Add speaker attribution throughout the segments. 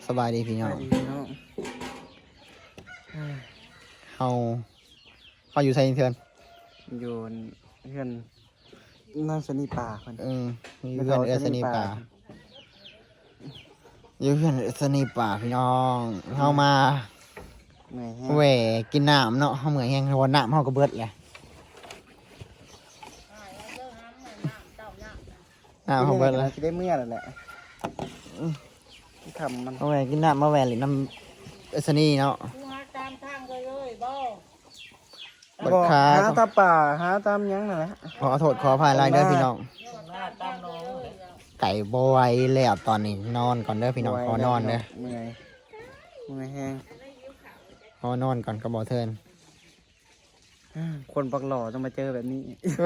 Speaker 1: สบายดีพี่น้องเขาอยู่ไซน์เทือน
Speaker 2: อยู่เพื่อนนั่งสนีป่าคน
Speaker 1: มีเพื่อนสนีป่าอยู่เพื่อนสนีป่าพี่น้องเข้ามาแหวกินน้ำเนาะเขาเหมือนแห้งวันน้ำเขาก็เบิดเลยน้ำเขาเบิดเลย
Speaker 2: ได้เมื่อแล้วแหละทำมัน
Speaker 1: มาแหวกินน้ำมาแหวหรือน้ำสนีเนาะ
Speaker 2: บอกหาตาป่าหาตามยังนั่นแหละ
Speaker 1: ขอโทษขออภัยรายเด้อพี่น้องไก่บอยแล้วตอนนี้นอนก่อนเด้อพี่น้องขอนอนเด้อ
Speaker 2: เมื่อยแห้ง
Speaker 1: ขอนอนก่อนกระบอกเทิน
Speaker 2: คนปักหล่อต้องมาเจอแบบนี้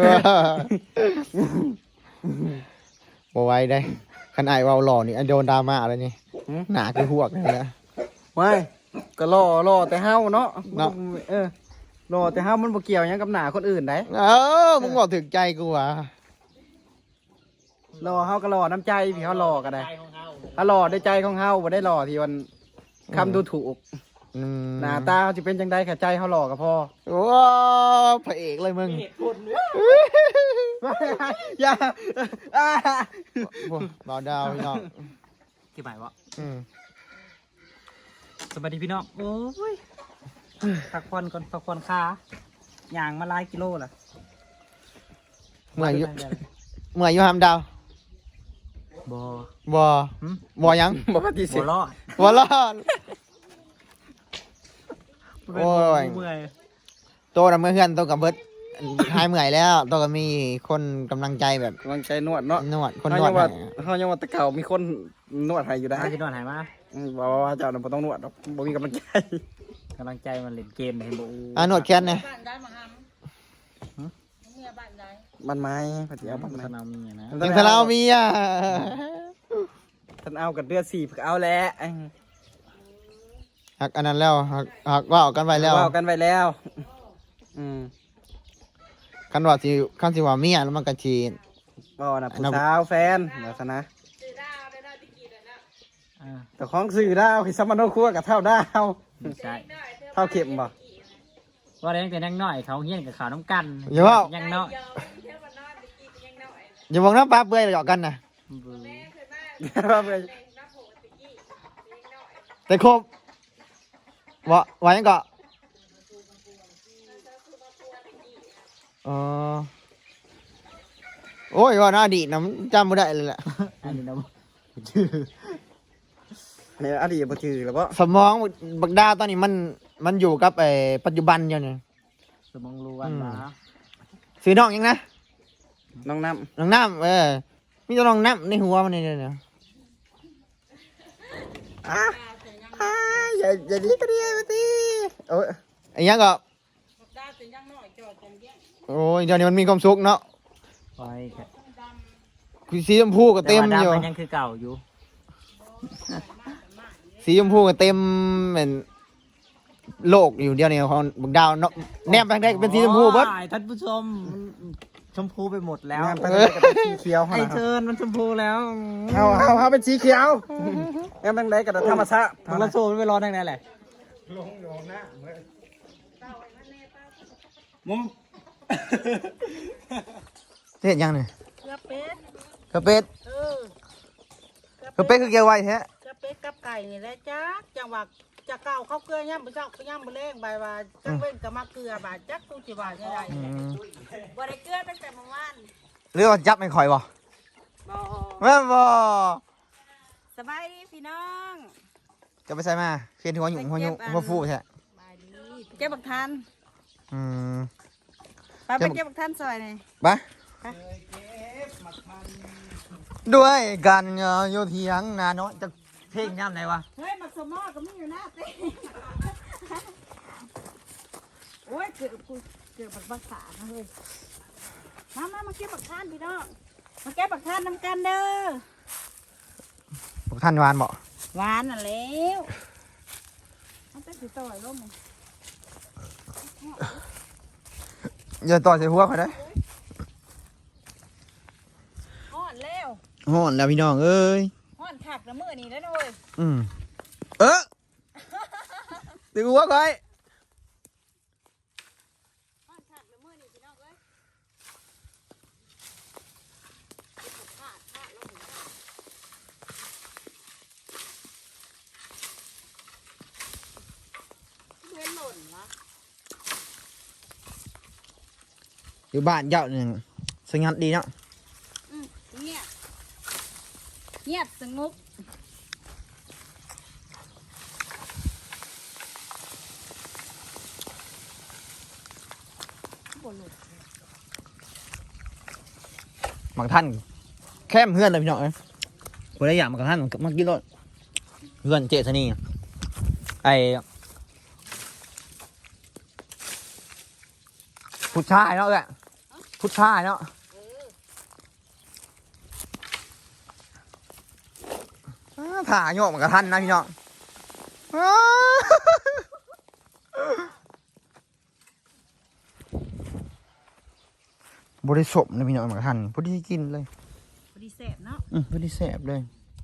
Speaker 1: บอยได้ขนาดว่าหล่อนี่โดนดราม่าอะไรนี่หนาคือหวกนี่แหละ
Speaker 2: ไม่ก็หล่อแต่เฮาเนาะหล่อแต่เฮามันบ่เกี่ยวยังกับหนาคนอื่นได้
Speaker 1: มึงบอกถึงใจกูอ่ะ
Speaker 2: หล่อเฮาก็หล่อน้ำใจพี่เฮาหล่อก็ได้ถ้าหล่อได้ใจของเฮาบ่ได้หล่อที่มันคำดูถูกหน้าตาเขาจะเป็นจังได๋ค่ะใจเฮาหล่อก็พอ
Speaker 1: ว้าพระเอกเลยมึง
Speaker 2: อย่า
Speaker 1: บ่าวดาวพี่น้อง
Speaker 3: กี่หมายวะสวัสดีพี่น้องโอ้ยพักผ่อนก่อนพักผ่อนขาย่างมาหลายกิโลล่ะ
Speaker 1: เมื่อยอยู่หามดาวบ่ยัง
Speaker 2: บ่ปฏิเสธ
Speaker 1: บ่รอดโอ้ยโตน่ะเมื่อเพื่อนโตกับเบิร์ดหายเมื่อยแล้วโตก็มีคนกำลังใจแบบ
Speaker 2: กำลังใจนวดเนาะ
Speaker 1: นวดคนนวด
Speaker 2: เขายังว่าตะเก่ามีคนนวดให้อยู่ได้
Speaker 3: ที่นวดหายมา
Speaker 2: บอกว่าเจ้าบ่ต้องนวดหรอกบ่มีกำลังใจ
Speaker 3: มันเล่นเกมเห็นบ่
Speaker 1: นวดแค้นเนี่ย
Speaker 2: บ้านไม้พอดีเอาบ้านไม้
Speaker 1: ยังทะเลามีอ่ะ
Speaker 2: ท่านเอากับเดือด4ฝึกเอาแล้ว
Speaker 1: หักอันนั้นแล้วหักว่ากันไปแล้วคันว่าที่คันสิว่าเมียแล้วมันก็ชี
Speaker 2: บ่น่ะผู้สาวแฟนเดี๋ยวซะนะแต่ของสื่อดาวคือสมโนครัวกับเท่าดาว
Speaker 3: ใช่
Speaker 2: เท่าเข็มบ่
Speaker 3: ว่าเลี้ยงแต่ยังน้อยเขาเฮี้ยนกับขาวน้ำกันยังน้อย
Speaker 1: อย่ามองน้ำปลาเปื่อยหยอกกันนะแต่ครบว่ายังก็โอ้ยว่าน่าดีนะจำไม่ได้เลยแหละ
Speaker 3: อันนี้นะ
Speaker 2: ชื่อเนี่ยอดีตบ่ชื่อแล้วก็
Speaker 1: สมองบักดาตอนนี้มันอยู่กับปัจจุบันอยู่เนี่ย
Speaker 3: สมองรู้วันละ
Speaker 1: ซื้อน้องยังนะ
Speaker 2: น้องน้
Speaker 1: ำมีตัวน้องน้ำในหัวมันเนี่ย
Speaker 2: อย่าดีก็ดีมาตีโอ้ย
Speaker 1: ไอ้ยังก็โอ้ยเดี๋ยวนี้มันมีความสุขเนาะคือสีชมพูก็เต็มอยู่
Speaker 3: ยังคือเก่าอยู่
Speaker 1: สีชมพูก็เต็มเหมือนโลกอยู่เดียวนี่ของบักดาวเนาะแนบไปได้เป็นสีชมพูเบิด
Speaker 3: ท่านผู้ชมชมพูไปหมดแล้ว
Speaker 2: สีเขียว
Speaker 3: ไอเชิญมันชมพูแล้ว
Speaker 2: เอาเป็นสีเขียวแอมตั้งไหนกับธรรมชาติ
Speaker 3: ทางละโซ่ไม่รอตั้งไหนแหละ
Speaker 2: ลงหน้า
Speaker 1: มุมเห็นยังเนี่ย
Speaker 4: กระเป็ด
Speaker 1: กระเป็ดคือเกี่ยวไว้แท้
Speaker 4: กระเป็ดกับไก่นี่แหละจ้าจังหวะจะเก่าเขาเกลือย่ำไปจักย่ำไปเล่งใบว่าจังเว้นกับมะเกลือบาดจักตู้จีบาดยังไงบ่ได้เกลือตั้งแต่เมื่อวาน
Speaker 1: เรื่องจับไม่ค่อยบ่บ่
Speaker 4: สบายดีพี่น้อง
Speaker 1: จะไปใส่มาเพียนหัวหยุ่งหัวฟูใช่
Speaker 4: เก็บบักทันไปเก็บบักทันซอยนี่
Speaker 1: ไปด้วยกันโยเทียงนาน้อยจะเพลงย่ำไหนวะ
Speaker 4: เฮ้ยมักสมอก็มีอยู่หน้าเต้โอ้ยเกิดบักภาษาเฮ้ยมาเก็บบักทันพี่น้องมาเก็บบักทันน้ำกันเด้อ
Speaker 1: บักทันหวานบ่
Speaker 4: หวานน่ะแล้วมันเป็นสีต่อยร่ม
Speaker 1: อย่าต่อใส่หัวเขาได้
Speaker 4: ห่อนแล้ว
Speaker 1: พี่น้องเอ้ย
Speaker 4: ห่อนถักละมือนี่แล้วด้วย
Speaker 1: ดึงหัวก่อยอยู่บ้านเจ้าหนึ่งสงัดดีเนาะ
Speaker 4: เงียบเงียบสงบ
Speaker 1: บางท่านแค่เพื่อนเลยพี่น้องเอ้ยคนละอย่างบางท่านมากินรถเพื่อนเจษนีไอผู้ชายเนาะแหละผู้ชายเนาะถ่ายโยกเหมือนกับท่านนะพี่น้องบริสุทธิ์นะพี่น้องเหมือนกับท่านพอดีกินเลย
Speaker 4: พอดีแสบเนาะ
Speaker 1: พอดีแสบเลย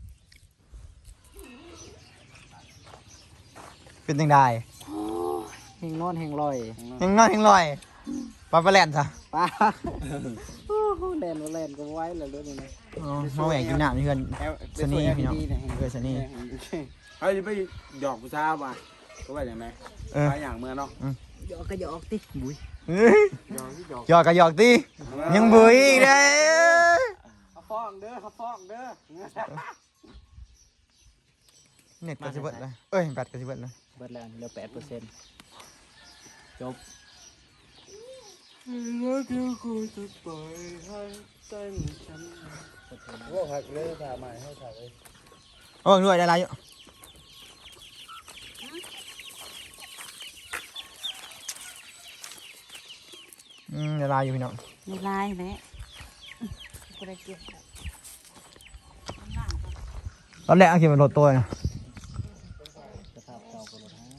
Speaker 1: เป็นยังไง
Speaker 2: แห่งนอนแห่งลอย
Speaker 1: ยังน้อยยังลอยปลาปลาแลนซะ
Speaker 2: ป้าแลนบ่แลนก็ไว้แล้วด้วยนี่นะ
Speaker 1: มาแหวกกินน้ำนี่เพื่อนสนีพี่น้องเพื่อนสนี
Speaker 5: เฮ้ยไปหยอกผู้ชายป่ะก็ว่าอย่างไรไปอย่างเมื่อเนาะ
Speaker 4: หยอกก็หยอกติบุ้ย
Speaker 1: หยอกกับหยอกตียังบุยอีกเลย
Speaker 2: เขาฟ้องเด้อเขาฟ้องเด้อ
Speaker 1: เน็ตก็สิเบิดเลยเอ้ยแบตก็สิเบิดเลย
Speaker 3: เบิดแล้วเหลือ8%จบ
Speaker 5: ว่าพักเลยถ่ายใหม่ให้ถ่ายเลย
Speaker 1: โอ้ยด้วยได้ไรอยู่ได้ไรอยู่พี่น้อง
Speaker 4: ในลายแหละก็ได้เกี่ยว
Speaker 1: ตอนแรกเอาเขียนเป็นรถตัวนะ
Speaker 3: สภาพเก่าก็ลดให้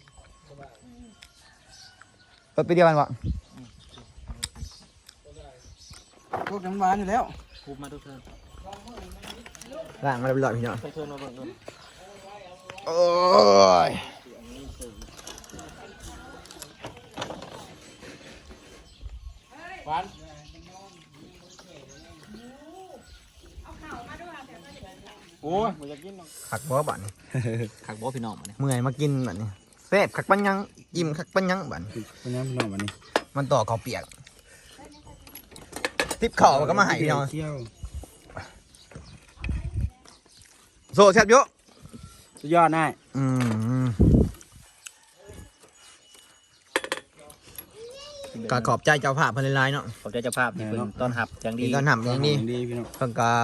Speaker 1: รถไปเดียวกันวะ
Speaker 2: พวกน้ำหวานอยู่แล้ว
Speaker 3: คูบมาทุกเทิร์น
Speaker 1: ล่างมาเรียบร้อยพี่น้อง
Speaker 3: ไปเทิร์นมาเบิ่งก่อน
Speaker 1: โอ้ย
Speaker 5: โอ้ยผมอยากกิน
Speaker 1: ขักบ่บัดนี่
Speaker 3: ขักบ่พี่น้องมาเนี่ย
Speaker 1: เมื่อยมากินบัดนี่แซ่บขักปัญญังอิ่มขักปัญญังบัด
Speaker 5: เป็นยังพี่น้องวันนี้
Speaker 1: มันต่อข้าวเปียกทิปข้าวมันก็มาให้พี่น้อง
Speaker 5: เที่ยว
Speaker 1: โซแซ่บเยอะ
Speaker 5: สุดยอดนาย
Speaker 1: ก็ขอบใจเจ้าภาพเพันหลายๆเนาะ
Speaker 3: ขอบใจเจ้าภาพที่เพิ่นต้อนรับอย่างดี
Speaker 1: ดีก็ทำอย่างนี้
Speaker 5: ดีพี่น้อง
Speaker 1: เพิ่นก็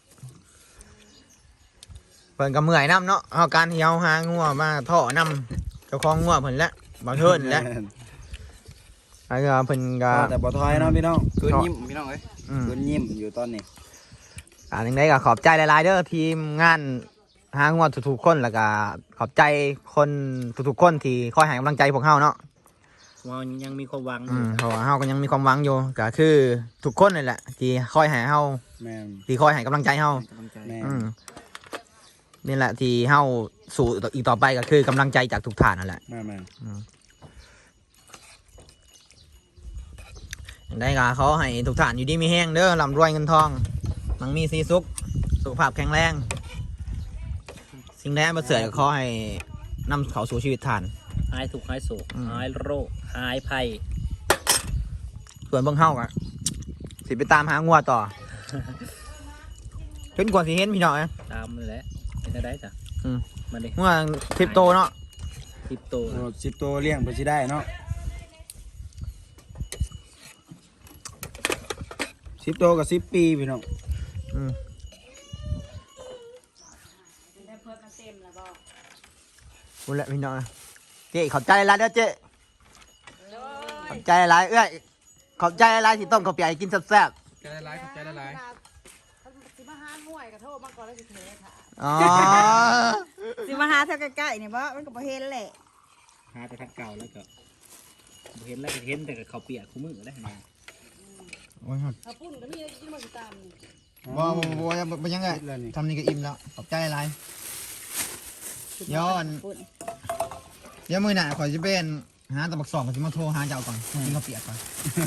Speaker 1: เพิ่นก็เมื่อยน้ำเนาะเอาการที่เฮาหางัวมาท่อนำเจ้าของงัวเพิ่นแหละบางเทินแหละแล้วก็เพิ่นก็
Speaker 5: แต่บ่ทอยเนาะพี่น้องคืนยิ้มพี่น้องเอ้ยคืนยิ้มอยู่ตอนนี้
Speaker 1: จังได๋ก็ขอบใจหลายๆเด้อทีมงานหางัวทุกๆคนแล้วก็ขอบใจคนทุกๆคนที่คอยให้กำลังใจพวกเฮาเนาะ
Speaker 3: ว่ายังมีความหวังอยู่
Speaker 1: เพราะว่าเฮาก็ยังมีความหวังอยู่ก็คือทุกคนนี่แหละที่คอยให้เฮา
Speaker 5: แม่น
Speaker 1: ที่คอยให้กำลังใจเฮา
Speaker 3: กำลังใจ
Speaker 5: แม่น
Speaker 1: นี่แหละที่เฮาสู่อีกต่อไปก็คือกำลังใจจากทุกท่านนั่นแหละ
Speaker 5: แม่นแม่น
Speaker 1: ได้ก็เขาให้ทุกท่านอยู่ดีมีแห้งเด้อร่ำรวยเงินทองมั่งมีสีสุขสุขภาพแข็งแรงสิ่งใดประเสริฐก็ขอให้นำเขาสู่ชีวิตท่าน
Speaker 3: หายทุกข์หายโศกหายโรคหายภัย
Speaker 1: ส่วนเบิ่งเฮาก็สิไปตามหางัวต่อ จนกว่าสิเห็นพี่น้อง
Speaker 3: ตามเลยแหละเป็นได้จ้ะมาเลย
Speaker 1: งัว10 โตเนาะ
Speaker 3: 10 โต
Speaker 5: โอ้10 ตัวเลี้ยงเพิ่นสิได้เนาะ10 ตัวกับ10 ปีพี่น้อง
Speaker 4: ได้เพิ่มมาเต็มแล้วบ่
Speaker 1: พูดแหละพี่น้องเจ๊ขอบใจหลายเด้อเจ๊ขอบใจหลายเอ้ยขอบใจหลายที่ต้มข้าวเปียกให้กินแซ่บ
Speaker 2: ใจละลายใจละลาย
Speaker 4: สิมาหาห่วยก็โทษมาก่อนแล้วสิเทค่ะ
Speaker 1: ๆอ๋อ
Speaker 4: สิมาหาแถวใกล้ๆนี่บ่มันก็บ่เห็นแหละ
Speaker 3: หาแต่ทักเก่าแล้วก็บ่เห็นแล้วก็เห็นแต่กับข้าวเปียกคู่มือได้นะ
Speaker 1: โอ้ย
Speaker 4: ถ้าปุ้นก็มีกินมาสิตามนี่
Speaker 1: บ่ยังไงทำนี่ก็อิ่มแล้วขอบใจหลายย้อนเดี๋ยวมือหน้าขอยจะเป็นหาตะบักสองก็จะมาโทรหาเจ้าก่อนกินข้าวเปียกก่อน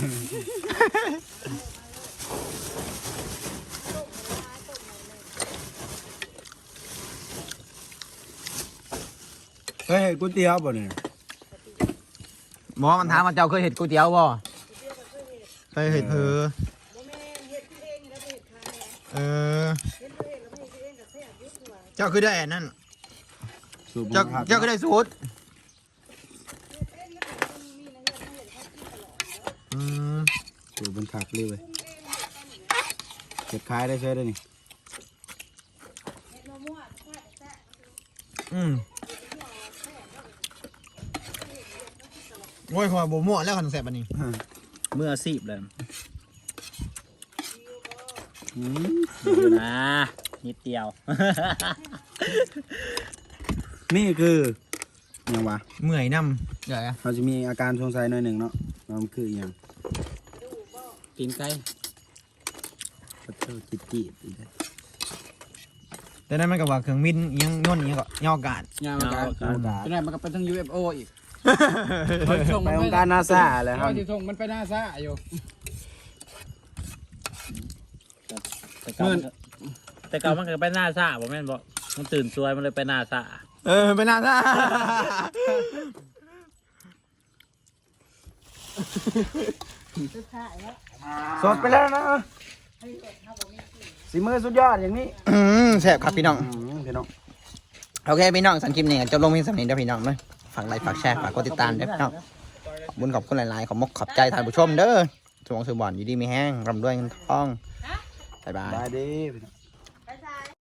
Speaker 5: เคยเห็นก๋วยเตี๋ยวบ่เนี่ย
Speaker 1: บอกว่ามันถามว่าเจ้าเคยเห็ดก๋วยเตี๋ยวบ่เคยเห็ดเพอเออเจ้าคือได้อันนั่น
Speaker 5: สูตร
Speaker 1: เจ้า
Speaker 5: ผัก
Speaker 1: เจ้าคือได้สูตรอืม
Speaker 5: สูตรบนผักเลยเว้ยเก็บขายได้ใช้ได้นี่
Speaker 1: อืมโอ้ยขอบ่มั่วแล้วขนมแซ่บอันนี้
Speaker 3: เมื่อซีบเลย
Speaker 5: อืม
Speaker 3: อยู่นะนิดเดียว
Speaker 5: นี่คือยังวะ
Speaker 1: เมื่อยน้ำเดี๋ยวอะ
Speaker 5: เราจะมีอาการสงสัยหน่อยหนึ่งเนาะว่ามันคืออหย่าง
Speaker 3: กินไก่
Speaker 5: กระเทาจิตจีอีกแล้ว
Speaker 1: แต่นั้นมันก็ว่าเครื่องบินอิหยังย่นอิหยังก็ย่อกาด
Speaker 2: งานมันก็
Speaker 5: เอากา
Speaker 2: เป็นไงมันก็เป็นทั้ง UFO อีก
Speaker 5: ไปองค์การนาซาเลยครับ
Speaker 2: ที่ส่งมันไปนาซาอยู่
Speaker 3: แต่เก่ามันก็แต่เก่ามันก็ไปหน้าซ่าบ่แม่นบ่มันตื่นสวยมันเลยไปหน้าซ่า
Speaker 1: เออไปนาซา
Speaker 5: สดไปแล้วนะสีมือสุดยอดอย่างนี้
Speaker 1: แซ่บครับพี่น้อง
Speaker 5: พี่น้อง
Speaker 1: โอเคพี่น้องสันคลิปนี้ก็จบลงเพียงสำนี้เด้อพี่น้องเด้อฝากไลค์ฝากแชร์ฝากกดติดตามเด้อพี่น้องบุญขอบคุณหลายๆขอบมกขอบใจท่านผู้ชมเด้อสมองสือบอลอยู่ดีมีแห้งร่ำรวยเงินทองบ๊ายบาย
Speaker 5: บายดีพี่น้อง